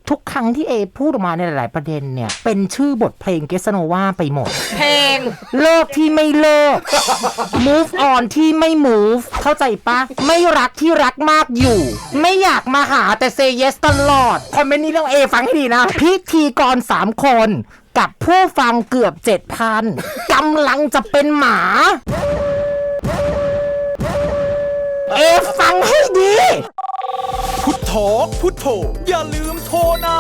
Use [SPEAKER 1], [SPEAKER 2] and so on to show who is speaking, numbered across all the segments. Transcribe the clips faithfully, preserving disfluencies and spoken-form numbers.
[SPEAKER 1] ทุกครั้งที่เอพูดออกมาในหลายๆประเด็นเนี่ยเป็นชื่อบทเพลงเกสโนวาไปหมด
[SPEAKER 2] เพลง
[SPEAKER 1] เลิกที่ไม่เลิก move on ที่ไม่ move เข้าใจปะไม่รักที่รักมากอยู่ไม่อยากมาหาแต่ say yes ตลอดคอมเมนต์นี้ต้องเอฟังให้ดีนะพิธีกรสามคนกับผู้ฟังเกือบ เจ็ดพัน กำลังจะเป็นหมาเอฟังให้ดี
[SPEAKER 3] พุทโธพุทโธอย่าลืมโทรนะ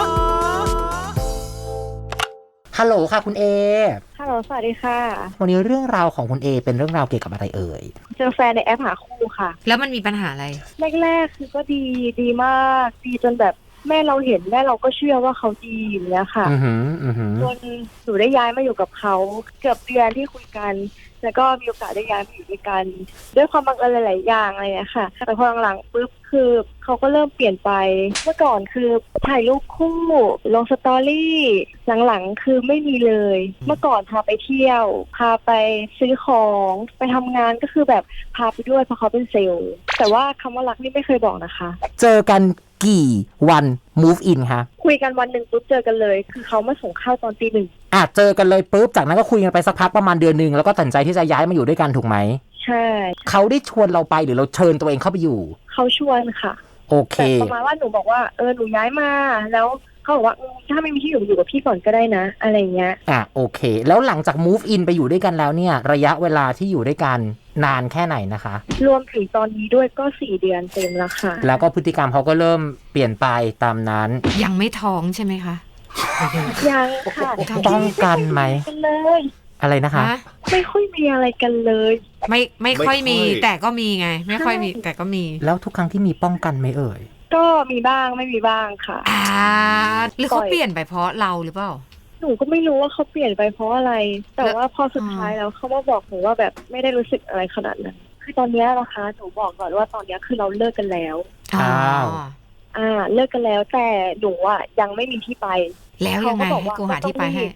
[SPEAKER 1] ฮัลโหลค่ะคุณเอ
[SPEAKER 4] ฮัลโหลสวัสดีค่ะ
[SPEAKER 1] วันนี้เรื่องราวของคุณเอเป็นเรื่องราวเกี่ยวกับอะไรเอ่ย
[SPEAKER 4] เจอแฟนในแอปหาคู่ค่ะ
[SPEAKER 2] แล้วมันมีปัญหาอะไร
[SPEAKER 4] แรกๆคือก็ดีดีมากดีจนแบบแม่เราเห็นแม่เราก็เชื่อว่าเขาดีอย่างเงี้ยค่ะจนหนูได้ย้ายมาอยู่กับเขาเกือบเดือนที่คุยกันแล้วก็มีโอกาสได้ย้ายมาอยู่ด้วยกันด้วยความบังเอิญหลายๆอย่างอะไรเงี้ยค่ะแต่พอหลังๆปุ๊บคือเขาก็เริ่มเปลี่ยนไปเมื่อก่อนคือถ่ายรูปคู่ลงสตอรี่หลังๆคือไม่มีเลยเมื่อก่อนพาไปเที่ยวพาไปซื้อของไปทำงานก็คือแบบพาไปด้วยเพราะเขาเป็นเซลล์แต่ว่าคำว่ารักนี่ไม่เคยบอกนะคะ
[SPEAKER 1] เจอกันกี่วัน move in คะ
[SPEAKER 4] คุยกันวันหนึ่งปุ๊บเจอกันเลยคือเขามาส่งข้าวตอนตีหนึ่ง
[SPEAKER 1] อ่ะเจอกันเลยปุ๊บจากนั้นก็คุยกันไปสักพักประมาณเดือนนึงแล้วก็ตัดใจที่จะย้ายมาอยู่ด้วยกันถูกไหม
[SPEAKER 4] ใช่
[SPEAKER 1] เขาได้ชวนเราไปหรือเราเชิญตัวเองเข้าไปอยู่
[SPEAKER 4] เขาชวนค่ะ
[SPEAKER 1] โอเค
[SPEAKER 4] แต่ประมาณว่าหนูบอกว่าเออหนูย้ายมาแล้วเขาบอกว่าถ้าไม่มีที่อยู่อยู่กับพี่ก่อนก็ได้นะอะไรเงี้ย
[SPEAKER 1] อ่ะโอเคแล้วหลังจาก move in ไปอยู่ด้วยกันแล้วเนี่ยระยะเวลาที่อยู่ด้วยกันนานแค่ไหนนะคะ
[SPEAKER 4] รวมถึงตอนนี้ด้วยก็สี่เดือนเต็มแล้วค่ะ
[SPEAKER 1] แล้วก็พฤติกรรมเขาก็เริ่มเปลี่ยนไปตามนั้น
[SPEAKER 2] ยังไม่ท้องใช่ไหมคะ
[SPEAKER 4] ยังค่ะ
[SPEAKER 1] ป้องกันไหม
[SPEAKER 4] เลย
[SPEAKER 1] อะไรนะคะ
[SPEAKER 4] ไม่ค่อยมีอะไรกันเลย
[SPEAKER 2] ไม่ไม่ค่อยมีแต่ก็มีไงไม่ค่อยมีแต่ก็มี
[SPEAKER 1] แล้วทุกครั้งที่มีป้องกันไหมเอ่ย
[SPEAKER 4] ก็มีบ้างไม่มีบ้างค่ะ
[SPEAKER 2] อ่าหรือเขาเปลี่ยนไปเพราะเราหรือเปล่า
[SPEAKER 4] หนูก็ไม่รู้ว่าเขาเปลี่ยนไปเพราะอะไรแต่ว่าพอสุดท้ายแล้วเขามาบอกหนูว่าแบบไม่ได้รู้สึกอะไรขนาดนั้นคือตอนนี้นะคะหนูบอกก่อนว่าตอนนี้คือเราเลิกกันแล้ว
[SPEAKER 1] อ้าว
[SPEAKER 4] อ่าเลิกกันแล้วแต่หนูอ่ะยังไม่มีที่ไป
[SPEAKER 2] แล้วยังไงให้กูหาที่ไปให้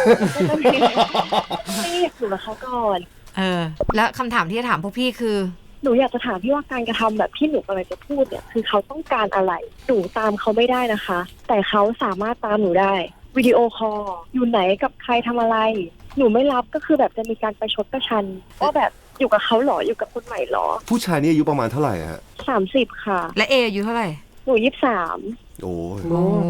[SPEAKER 4] ไม่อยู่กับเขาก่อน
[SPEAKER 2] เออแล้วคำถามที่จะถามพวกพี่คือ
[SPEAKER 4] หนูอยากจะถามพี่ว่าการกระทำแบบที่หนูกำลังจะพูดเนี่ยคือเขาต้องการอะไรหนูตามเขาไม่ได้นะคะแต่เขาสามารถตามหนูได้วิดีโอคอลอยู่ไหนกับใครทำอะไรหนูไม่รับก็คือแบบจะมีการประชดประชันว่าแบบอยู่กับเขาหรออยู่กับคนใหม่หรอ
[SPEAKER 5] ผู้ชายนี่อายุประมาณเท่าไหร่ฮะ
[SPEAKER 4] สามสิบค่ะ
[SPEAKER 2] และเออายุเท่าไหร่
[SPEAKER 4] หนูยี่สิบสาม
[SPEAKER 5] โอ้
[SPEAKER 2] ย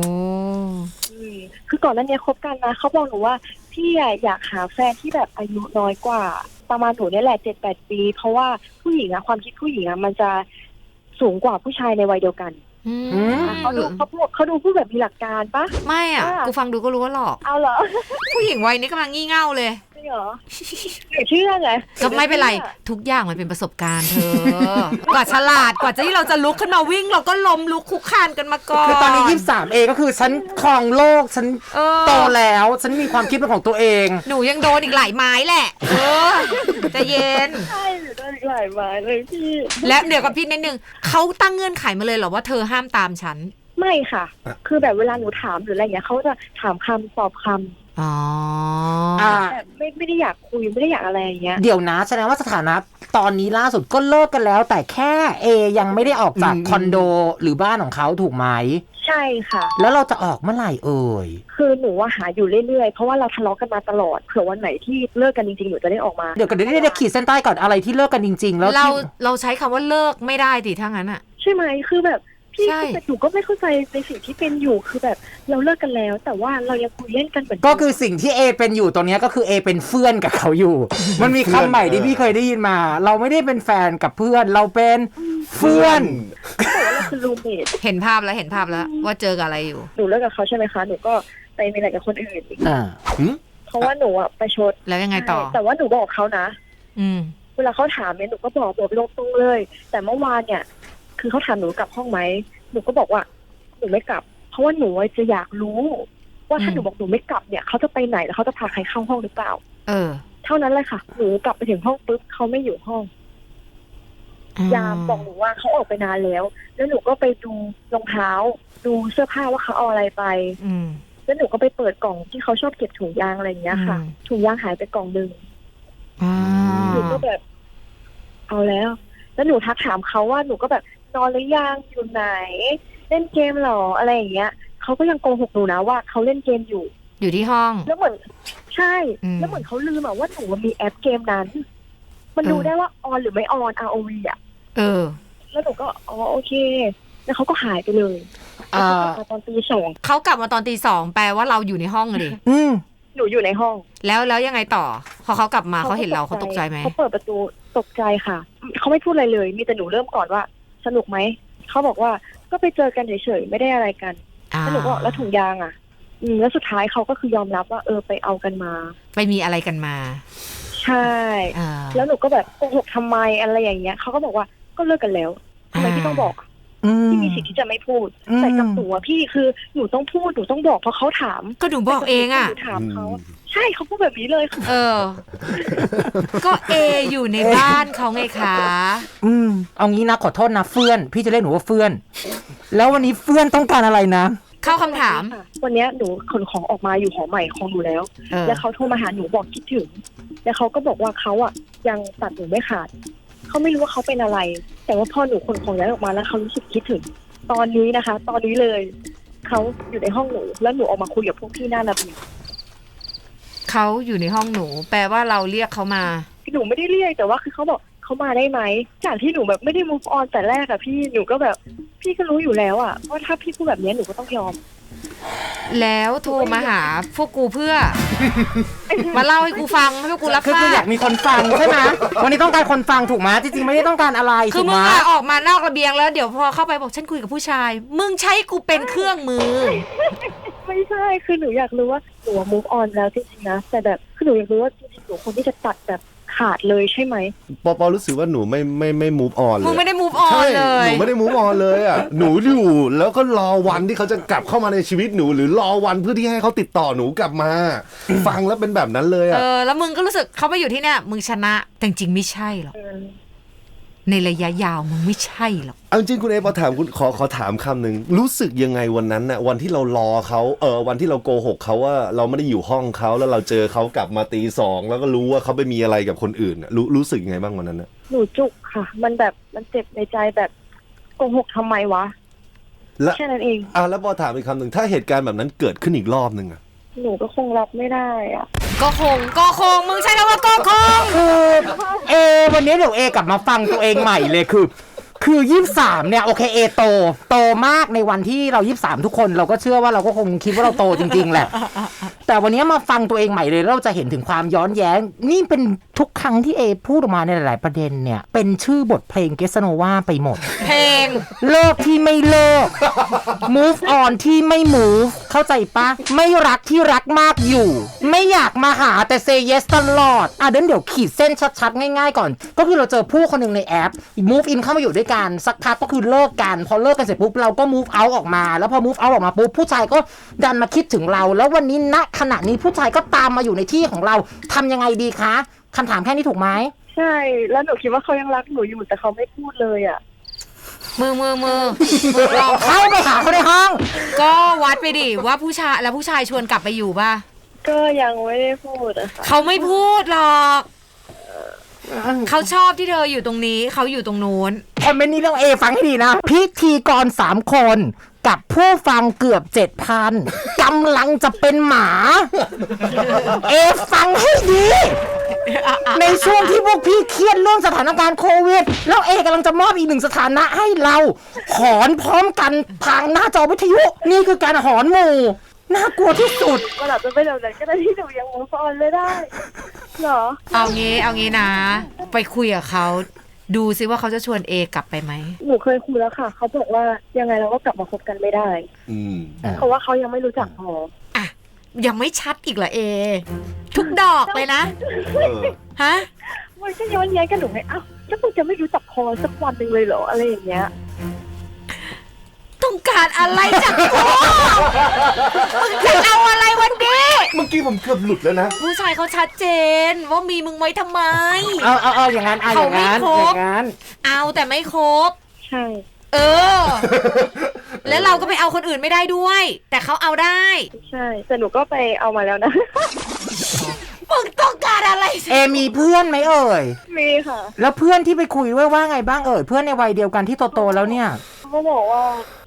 [SPEAKER 4] คือก่อนหน้านี้คบกันนะเขาบอกหนูว่าพี่อยากหาแฟนที่แบบอายุน้อยกว่าประมาณหนูนี่แหละเจ็ดแปดปีเพราะว่าผู้หญิงอะความคิดผู้หญิงอะมันจะสูงกว่าผู้ชายในวัยเดียวกันเขาดูเขาพูดเขาดูพูดแบบมีหลักการปะ
[SPEAKER 2] ไม่อ่ะกูฟังดูก็รู้ว่าหลอก
[SPEAKER 4] เอาเหรอ
[SPEAKER 2] ผู้หญิงวัยนี้กำลังงี่เง่าเลย
[SPEAKER 4] จริงเหรอหนูเชื่อไง
[SPEAKER 2] ก็ไม่เป็นไรทุกอย่างมันเป็นประสบการณ์เธอกว่าฉลาดกว่าที่เราจะลุกขึ้นมาวิ่งเราก็ล้มลุกคุกคานกันมาก่อน
[SPEAKER 1] คือตอนนี้ยี่สิบสามเอก็คือฉันครองโลกฉันโตแล้วฉันมีความคิดเป็นของตัวเอง
[SPEAKER 2] หนูยังโดนอีกหลายไม้แหละเออใจเย็น
[SPEAKER 4] ใช่หนูโดนอีกหลายไม้เลยพี่
[SPEAKER 2] และเดี๋ยวกับพี่นิดนึงเขาตั้งเงื่อนไขมาเลยเหรอว่าเธอห้ามตามฉัน
[SPEAKER 4] ไม่ค่ะคือแบบเวลาหนูถามหรืออะไรอย่างเงี้ยเขาจะถามคำตอบคำ
[SPEAKER 2] อ๋อ
[SPEAKER 4] แบบไม่ไม่ได้อยากคุยไม่ได้อยากอะไรอย่างเงี้ย
[SPEAKER 1] เดี๋ยวนะแสดงว่าสถานะตอนนี้ล่าสุดก็เลิกกันแล้วแต่แค่เอยังไม่ได้ออกจากคอนโดหรือบ้านของเขาถูกไหม
[SPEAKER 4] ใช่ค่ะ
[SPEAKER 1] แล้วเราจะออกเมื่อไหร่เอ่ย
[SPEAKER 4] คือหนูว่าหาอยู่เรื่อยๆเพราะว่าเราทะเลาะกันมาตลอดเผื่อวันไหนที่เลิกกันจริงๆหนูจะได้ออกมา
[SPEAKER 1] เดี๋ยวกันเดี๋ยวได้ขีดเส้นใต้ก่อนอะไรที่เลิกกันจริงๆแล้ว
[SPEAKER 2] เราเราใช้คำว่าเลิกไม่ได้ดิถ้างั้นอะ
[SPEAKER 4] ใช่ไหมคือแบบพี่แต่หนูก็ไม่เข้าใจในสิ่งที่เป็นอยู่คือแบบเราเลิกกันแล้วแต่ว่าเรายังคุยเล่นกันเหมือน
[SPEAKER 1] ก็คือสิ่งที่เอเป็นอยู่ตอนนี้ก็คือเอเป็นเพื่อนกับเขาอยู่มันมีคำใหม่ที่พี่เคยได้ยินมาเราไม่ได้เป็นแฟนกับเพื่อนเราเป็นเพื่อน
[SPEAKER 4] แต่ว่าเราคือรูมเมท
[SPEAKER 2] เห็นภาพแล้วเห็นภาพแล้วว่าเจอกับอะไรอยู่
[SPEAKER 4] หนูเลิกกับเขาใช่ไหมคะหนูก็ไปมีอะไรกับคนอื่นอีก
[SPEAKER 1] อ่า
[SPEAKER 4] เพราะว่าหนูอะไปชด
[SPEAKER 2] แล้วยังไงต่อ
[SPEAKER 4] แต่ว่าหนูบอกเขานะ
[SPEAKER 2] อืม
[SPEAKER 4] เวลาเขาถามเนี่ยหนูก็บอกบอกตรงๆเลยแต่เมื่อวานเนี่ยคือเขาถามหนูกลับห้องไหมหนูก็บอกว่าหนูไม่กลับเพราะว่าหนูจะอยากรู้ว่าถ้าหนูบอกหนูไม่กลับเนี่ยเขาจะไปไหนแล้วเขาจะพาใครเข้าห้องหรือเปล่า
[SPEAKER 2] เออ
[SPEAKER 4] เท่านั้นเลยค่ะหนูกลับไปถึงห้องปุ๊บเขาไม่อยู่ห้องยามบอกหนูว่าเขาออกไปนานแล้วแล้วหนูก็ไปดูรองเท้าดูเสื้อผ้าว่าเขาเอาอะไรไปแล้วหนูก็ไปเปิดกล่องที่เขาชอบเก็บถุงยางอะไรอย่างเงี้ยค่ะถุงยางหายไปกล่องนึงหนูก็แบบเอาแล้วแล้วหนูทักถามเขาว่าหนูก็แบบนอนหรือยังอยู่ไหนเล่นเกมหรออะไรอย่างเงี้ยเขเขาก็ยังโกหกหนูนะว่าเขาเล่นเกมอยู่
[SPEAKER 2] อยู่ที่ห้อง
[SPEAKER 4] แล้วเหมือนใช่
[SPEAKER 2] อืม
[SPEAKER 4] แล้วเหมือนเขาลืมอะว่าหนูมีแอปเกมนั้น มันดู
[SPEAKER 2] เออ
[SPEAKER 4] ได้ว่าออนหรือไม่ออน อาร์ โอ วี อะ
[SPEAKER 2] เออ
[SPEAKER 4] แล้วหนูก็อ๋อโอเค แล้วเขาก็หายไปเลย
[SPEAKER 1] อ่า
[SPEAKER 4] แล้วเขากลับมาตอนตีสอง
[SPEAKER 2] เขากลับมาตอนตีสองแปลว่าเราอยู่ในห้องอะดิ
[SPEAKER 1] อืม
[SPEAKER 4] หนูอยู่ในห้อง
[SPEAKER 2] แล้วแล้วยังไงต่อ พอเขากลับมาเขาเห็นเราเขาตกใจไหม
[SPEAKER 4] เขาเปิดประตูตกใจค่ะ เขาไม่พูดอะไรเลย มีแต่หนูเริ่มก่อนว่า สนุกไหม เขาบอกว่าก็ไปเจอกันเฉยๆไม่ได้อะไรกัน
[SPEAKER 2] อ่า
[SPEAKER 4] แล้วหนูก็บอกแล้วถุงยางอ่ะ อืมแล้วสุดท้ายเขาก็คือยอมรับว่าเออไปเอากันมา
[SPEAKER 2] ไปมีอะไรกันมา
[SPEAKER 4] ใช่
[SPEAKER 2] อ่า
[SPEAKER 4] แล้วหนูก็แบบโกหกทำไมอะไรอย่างเงี้ยเขาก็บอกว่าก็เลิกกันแล้วทำไมพี่ต้องบอกอะ
[SPEAKER 1] อืม
[SPEAKER 4] พี่มีสิทธิ์ที่จะไม่พูด
[SPEAKER 1] อืม
[SPEAKER 4] แต่กับหนูอะพี่คือหนูต้องพูดหนูต้องบอกเพราะเขาถาม
[SPEAKER 2] ก็หนูบอกเองอ่ะ
[SPEAKER 4] หนูถามเขาใช่เขาพูดแบบนี้เลยค่ะ
[SPEAKER 2] เออ ก็เออยู่ในบ้านเขาไงคะ
[SPEAKER 1] อืมเอางี้นะขอโทษนะเฟื่อน พี่จะเรียกหนูว่าเฟื่อน แล้ววันนี้เฟื่อนต้องการอะไรนะ
[SPEAKER 2] เข้าคำถาม
[SPEAKER 4] วันเนี้ยหนูขนของออกมาอยู่หอใหม่ของหนูแล้ว
[SPEAKER 2] เออ
[SPEAKER 4] แล้วเขาโทรมาหาหนูบอกคิดถึง แล้วเขาก็บอกว่าเขาอ่ะยังตัดหนูไม่ขาด เขาไม่รู้ว่าเขาเป็นอะไร แต่ว่าพอหนูขนของย้ายออกมาแล้วเขารู้สึกคิดถึง ตอนนี้นะคะ ตอนนี้เลย เขาอยู่ในห้องหนู แล้วหนูออกมาคุยกับพวกพี่หน้าระเบียง
[SPEAKER 2] เขาอยู่ในห้องหนู แปลว่าเราเรียกเขามา
[SPEAKER 4] หนูไม่ได้เรียกแต่ว่าคือเขาบอกเขามาได้ไหมจากที่หนูแบบไม่ได้ move on แต่แรกอะพี่หนูก็แบบพี่ก็รู้อยู่แล้วอะว่าถ้าพี่พูดแบบนี้หนูก็ต้องยอม
[SPEAKER 2] แล้วโทรมาหาพวกกูเพื่อ มาเล่าให้กูฟังให้พวกกูรับ
[SPEAKER 1] คือ
[SPEAKER 2] ทรา
[SPEAKER 1] คืออยา
[SPEAKER 2] บ
[SPEAKER 1] กมีคนฟังใช่ไหมวันนี้ต้องการคนฟังถูกไหมจริงๆไม่ได้ต้องการอะไร
[SPEAKER 2] คือ
[SPEAKER 1] ถูก
[SPEAKER 2] มึ
[SPEAKER 1] ไห
[SPEAKER 2] ง
[SPEAKER 1] ม
[SPEAKER 2] อะออกมานอกระเบียงแล้วเดี๋ยวพอเข้าไปบอกฉันคุยกับผู้ชาย มึงใช้กูเป็นเครื่องมือ
[SPEAKER 4] ไม่ใช่คือหนูอยากรู้ว่าหนู move on แล้วจริงๆนะแต่แบบคือหนูอยากรู้ว่าจริงๆหนูคนที่จะตัดแบบขาดเลยใช่ไหม
[SPEAKER 5] ปอปอรู้สึกว่าหนูไม่ไม่ไม่ move on เลย
[SPEAKER 2] มึงไม่ได้ move on
[SPEAKER 5] ใช่
[SPEAKER 2] เลย
[SPEAKER 5] หนูไม่ได้ move on เลยอ่ะ หนูอยู่แล้วก็รอวันที่เขาจะกลับเข้ามาในชีวิตหนู หรือรอวันเพื่อที่ให้เขาติดต่อหนูกลับมา ฟังแล้วเป็นแบบนั้นเลย
[SPEAKER 2] เอ
[SPEAKER 5] อ่ะ
[SPEAKER 2] อ แล้วมึงก็รู้สึกเขามาอยู่ที่เนี่ยมึงชนะ แต่จริงๆไม่ใช่หรอก
[SPEAKER 4] เออ
[SPEAKER 2] ในระยะยาวมึงไม่ใช่หรอก
[SPEAKER 5] เอาจริงคุณเอพอถามคุณขอขอถามคำหนึ่งรู้สึกยังไงวันนั้นน่ะวันที่เรารอเขาเออวันที่เราโกหกเขาว่าเราไม่ได้อยู่ห้องเขาแล้วเราเจอเขากลับมาตีสองแล้วก็รู้ว่าเขาไปมีอะไรกับคนอื่นน่ะรู้รู้สึกยังไงบ้างวันนั้นน่ะ
[SPEAKER 4] หนูจุกค่ะ มันแบบมันเจ็บในใจแบบโกหกทำไมวะ
[SPEAKER 5] แล้ว
[SPEAKER 4] แค่นั้นเอง
[SPEAKER 5] อ่ะแล้วพอถามอีกคำหนึ่งถ้าเหตุการณ์แบบนั้นเกิดขึ้นอีกรอบหนึ่งอ่ะ
[SPEAKER 4] หนูก็คงรับไม่ได้อะ
[SPEAKER 2] ก็คงก็คงมึงใช้คำว่าก็คง
[SPEAKER 1] คือเอวันนี้เดี๋ยวเอกลับมาฟังตัวเองใหม่เลยคือ คือยี่สิบสามเนี่ยโอเคเอโตโตมากในวันที่เรายี่สิบสามทุกคนเราก็เชื่อว่าเราก็คงคิดว่าเราโตจริงๆแหละ แต่วันนี้มาฟังตัวเองใหม่เลยเราจะเห็นถึงความย้อนแย้ง นี่เป็นทุกครั้งที่เอพูดออกมาในหลายๆประเด็นเนี่ยเป็นชื่อบทเพลงเกสโนวาไปหมด
[SPEAKER 2] เพลง
[SPEAKER 1] เลิกที่ไม่เลิก move on ที่ไม่ move เข้าใจปะไม่รักที่รักมากอยู่ ไม่อยากมาหาแต่ say yes ตลอดอ่ะเดี๋ยวเดี๋ยวขีดเส้นชัดๆ ง่ายๆก่อน ก็คือเราเจอผู้คนหนึ่งในแอป move in เข้ามาอยู่ด้วยกันสักพักก็คือเลิกกัน พอเลิกกันเสร็จปุ๊บเราก็ move out ออกมาแล้วพอ move out ออกมาปุ๊บผู้ชายก็ดันมาคิดถึงเรา แล้ววันนี้ณขณะนี้ผู้ชายก็ตามมาอยู่ในที่ของเราทำยังไงดีคะคำถามแค่นี้ถูกไหม
[SPEAKER 4] ใช่แล้วหนูคิดว่าเขายังรักหนูอยู่แต่เขาไม่พูดเลยอะ
[SPEAKER 2] มือมือมือมือลอง
[SPEAKER 1] เข้าไปหาเขาในห้อง
[SPEAKER 2] ก็วัดไปดิว่าผู้ชายแล้วผู้ชายชวนกลับไปอยู่ป่ะ
[SPEAKER 4] ก็ยังไม่ได้พูดอะค่ะ
[SPEAKER 2] เขาไม่พูดหรอกเขาชอบที่เธออยู่ตรงนี้เขาอยู่ตรงนู้น
[SPEAKER 1] คอมเมนต์นี้ต้องเอฟังให้ดีนะ พิธีกรสามคนกับผู้ฟังเกือบเจ็ดพันกำลังจะเป็นหมา เอฟังให้ดี ในช่วงที่พวกพี่เครียดเรื่องสถานการณ์โควิด แล้วเอกำลังจะมอบอีกหนึ่งสถานะให้เรา หอนพร้อมกันทางหน้าจอวิทยุ นี่คือการหอนหมู่น่ากลัวที่สุด
[SPEAKER 4] มันอาจจะเป็นแบบนั้นก็ได้ที่หนูยัง move on ไม่ได้เหรอ
[SPEAKER 2] เอางี้เอางี้นะ ไปคุยกับเขาดูซิว่าเขาจะชวนเอกลับไปไหม
[SPEAKER 4] หนูเคยคุยแล้วค่ะเขาบอกว่ายังไงเราก็กลับมาคบกันไม่ได้
[SPEAKER 5] อืม
[SPEAKER 4] เพราะว่าเขายังไม่รู้จักพอ
[SPEAKER 2] อ่ะยังไม่ชัดอีกเหรอเอ ทุกดอกเลยนะ
[SPEAKER 5] เออ
[SPEAKER 2] ฮะ
[SPEAKER 4] มันก็ย้อนแย้งกันหนูไงอ้าวแล้วมึงจะไม่รู้จักพอสักวันหนึ่งเลยเหรออะไรอย่างเงี้ย
[SPEAKER 2] ต้องการอะไรจากกูมึงจะเอาอะไรวันนี้
[SPEAKER 5] เมื่อกี้ผมเกือบหลุดแล้วนะ
[SPEAKER 2] ผู้ชายเขาชัดเจนว่ามีมึงไว้ทำไม
[SPEAKER 1] เอาเอาเอาอย่างนั้นเอาอย่างนั้น
[SPEAKER 2] เขาไม่ครบ
[SPEAKER 1] อย่างนั้น
[SPEAKER 2] เอาแต่ไม่ครบ
[SPEAKER 4] ใช่
[SPEAKER 2] เออ แล้วเราก็ไปเอาคนอื่นไม่ได้ด้วย แต่เขาเอาได้
[SPEAKER 4] ใช่แต่หนูก็ไปเอามาแล้วนะ
[SPEAKER 2] มึงต้องการอะไร
[SPEAKER 1] เอมีเพื่อนไหมเอ่ย
[SPEAKER 4] มีค่ะ
[SPEAKER 1] แล้วเพื่อนที่ไปคุยด้วยว่าไงบ้างเอ่ยเพื่อนในวัยเดียวกันที่โตๆแล้วเนี่ย
[SPEAKER 4] เขาบอกว่า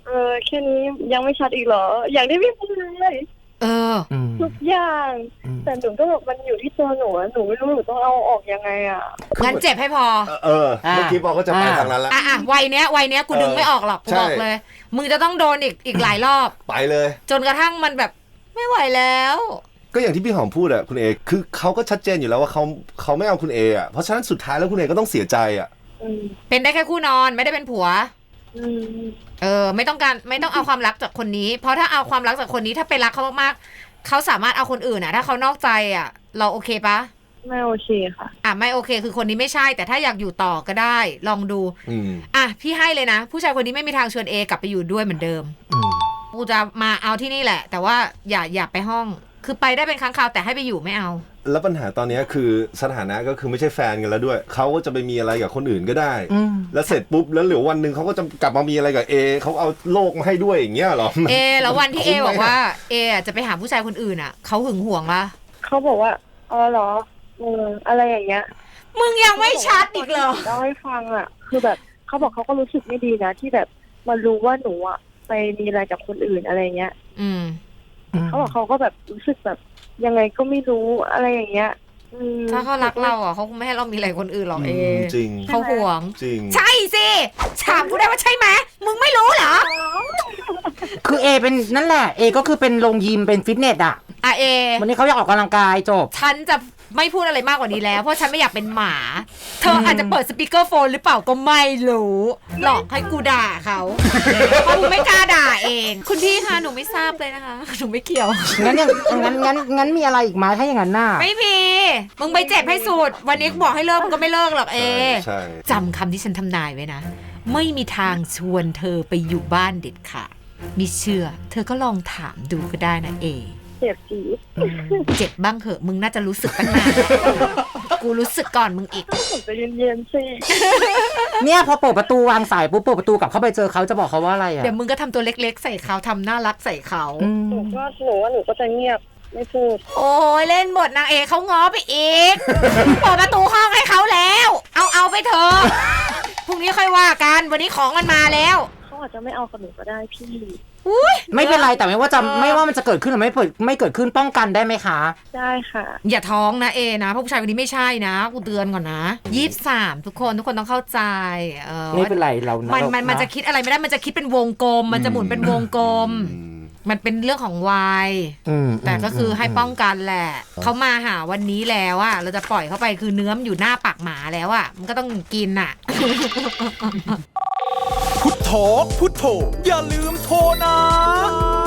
[SPEAKER 4] เออแค่นี้ยังไม่ชัดอีกเหรออย่างที่พี่พูดเลย
[SPEAKER 2] เออ
[SPEAKER 1] อืม
[SPEAKER 4] ทุกอย่าง
[SPEAKER 1] อืม
[SPEAKER 4] แต่หนูก็แบบมันอยู่ที่ตัวหนูอะหนูไม่รู้หนูต้องเอาออกยังไงอ่ะ
[SPEAKER 2] งั้นเจ็บให้พอ
[SPEAKER 5] เออเออเมื่อกี้บอกก็จะไปทางนั้นแล้ว
[SPEAKER 2] อ่ะอ่ะวัยเนี้ยวัยเนี้ยกูดึงไม่ออกหรอกกู
[SPEAKER 5] ใช่
[SPEAKER 2] บอกเลย มึงจะต้องโดนอีกอีกหลายรอบ
[SPEAKER 5] ไปเลย
[SPEAKER 2] จนกระทั่งมันแบบไม่ไหวแล้ว
[SPEAKER 5] ก็อย่างที่พี่หอมพูดอะคุณเอคือเขาก็ชัดเจนอยู่แล้วว่าเขาเขาไม่เอาคุณเออะเพราะฉะนั้นสุดท้ายแล้วคุณเอก็ต้องเสียใจอะ
[SPEAKER 4] อืม
[SPEAKER 2] เป็นได้แค่คู่นอนไม่ได้เป็นผัว
[SPEAKER 4] อืม
[SPEAKER 2] เออไม่ต้องการไม่ต้องเอาความรักจากคนนี้ เพราะถ้าเอาความรักจากคนนี้ถ้าไปรักเขามากๆเขาสามารถเอาคนอื่นอ่ะถ้าเขานอกใจอ่ะ เราโอเคปะ
[SPEAKER 4] ไม่โอเคค่ะ
[SPEAKER 2] อ่ะไม่โอเค คือคนนี้ไม่ใช่ แต่ถ้าอยากอยู่ต่อก็ได้ ลองดู
[SPEAKER 5] อืม
[SPEAKER 2] อ่ะพี่ให้เลยนะ ผู้ชายคนนี้ไม่มีทางชวนเอกลับไปอยู่ด้วยเหมือนเดิม
[SPEAKER 1] อืม
[SPEAKER 2] กูจะมาเอาที่นี่แหละ แต่ว่าอย่าอย่าไปห้อง คือไปได้เป็นครั้งคราวแต่ให้ไปอยู่ไม่เอา
[SPEAKER 5] แล้วปัญหาตอนนี้คือสถานะก็คือไม่ใช่แฟนกันแล้วด้วยเขาก็จะไปมีอะไรกับคนอื่นก็ได้
[SPEAKER 1] อืม
[SPEAKER 5] แล้วเสร็จปุ๊บแล้วเหลือวันหนึ่งเขาก็จะกลับมามีอะไรกับเอเขาเอาโลกมาให้ด้วยอย่างเงี้ยเหรอ
[SPEAKER 2] เอแล้ววันที่เอ
[SPEAKER 5] คุ้มไหม
[SPEAKER 2] บอกว่าเออ่ะจะไปหาผู้ชายคนอื่นอ่ะเขาหึงหวงปะ
[SPEAKER 4] เขาบอกว่าอ๋อเหรอเอออะไรอย่างเงี้ย
[SPEAKER 2] มึงยังไม่ชัดอีกเหรอ
[SPEAKER 4] เล่าให้ฟังอ่ะ คือแบบเขาบอกเขาก็รู้สึกไม่ดีนะที่แบบมารู้ว่าหนูอ่ะไปมีอะไรกับคนอื่นอะไรเงี้ย
[SPEAKER 2] อืม
[SPEAKER 4] เขาบอกเขาก็แบบรู้สึกแบบยังไงก็ไม่รู้อะไรอย่างเงี้ยอืม
[SPEAKER 2] ถ้าเขารักเราอ่ะเขาคงไม่ให้เรามีอะไรคนอื่นหรอกเอ
[SPEAKER 5] มจริง
[SPEAKER 2] เขาห่วง
[SPEAKER 5] จริง
[SPEAKER 2] ใช่สิถามกูได้ว่าใช่ไหมมึงไม่รู้เหรอ
[SPEAKER 1] คือเอเป็นนั่นแหละเอก็คือเป็นโรงยิมเป็นฟิตเนสอ่ะ
[SPEAKER 2] อ่ะเอ
[SPEAKER 1] วันนี้เขาอยากออกกำลังกายจบ
[SPEAKER 2] ฉันจะไม่พูดอะไรมากกว่านี้แล้ว เพราะฉันไม่อยากเป็นหมา เธออาจจะเปิดสปีกเกอร์โฟนหรือเปล่าก็ไม่รู้ หลอกให้กูด่าเขาเพราะกูไม่กล้าด่าเอง คุณพี่คะหนูไม่ทราบเลยนะคะ หนูไม่เกี่ยว
[SPEAKER 1] งั้นยังงั้นงั้นงั้นมีอะไรอีกไหมถ้าอย่างนั้นน่ะ
[SPEAKER 2] ไม่มี มึงไปเจ็บให้สุด วันนี้กูบอกให้เลิกมึงก็ไม่เลิกหรอกเอ
[SPEAKER 5] ใช่
[SPEAKER 2] จำคำที่ฉันทำนายไว้นะ ไม่มีทางชวนเธอไปอยู่บ้านเด็ดขาดมิเชื่อ เธอก็ลองถามดูก็ได้นะเอ
[SPEAKER 4] เจ็บจี๊ด
[SPEAKER 2] เจ็บบ้างเหอะ มึงน่าจะรู้สึกตั้งนานแล้วกูรู้สึกก่อนมึงอีก
[SPEAKER 4] ผมจะเย็นๆสิ
[SPEAKER 1] เนี่ยพอเปิดประตูวางสายปุ๊บเปิดประตูกลับเข้าไปเจอเขาจะบอกเขาว่าอะไรอ่ะ
[SPEAKER 2] เดี๋ยวมึงก็ทำตัวเล็กๆ ใส่เขาทำน่ารักใส่เขา
[SPEAKER 1] อื
[SPEAKER 4] หนู
[SPEAKER 1] ม
[SPEAKER 4] ก็หนูว่าหนูก็จะเงียบไม่พูด
[SPEAKER 2] โอ้ยเล่นบทนางเอกเขาง้อไปอีก เปิดประตูห้องให้เขาแล้ว เอาเอาไปเถอะพรุ่งนี้ค่อยว่ากัน วันนี้ของมันมาแล้ว
[SPEAKER 4] เขาอาจจะไม่เอากับหนูก็ได้พี่
[SPEAKER 2] อุ้ย
[SPEAKER 1] ไม่เป็นไรแต่ไม่ว่าจะไม่ว่ามันจะเกิดขึ้นหรือไม่เปิดไม่เกิดขึ้นป้องกันได้ไหมคะ
[SPEAKER 4] ได้ค่ะ
[SPEAKER 2] อย่าท้องนะเอนะเพราะผู้ชายคนนี้ไม่ใช่นะกูเตือนก่อนนะยี่สิบสามทุกคนทุกคนต้องเข้าใจเออ
[SPEAKER 1] ไม่เป็นไรเรา
[SPEAKER 2] มั
[SPEAKER 1] มัน
[SPEAKER 2] มันมันจะคิดอะไรไม่ได้มันจะคิดเป็นวงกลม มันจะหมุนเป็นวงกลม
[SPEAKER 5] อืม
[SPEAKER 2] มันเป็นเรื่องของวัย แต่ก็คือให้ป้องกันแหละ เขามาหาวันนี้แล้วอะเราจะปล่อยเข้าไปคือเนื้อมันอยู่หน้าปากหมาแล้วอะมันก็ต้องกินอะ
[SPEAKER 3] พุทโธพุทโธอย่าลืมโทรนะ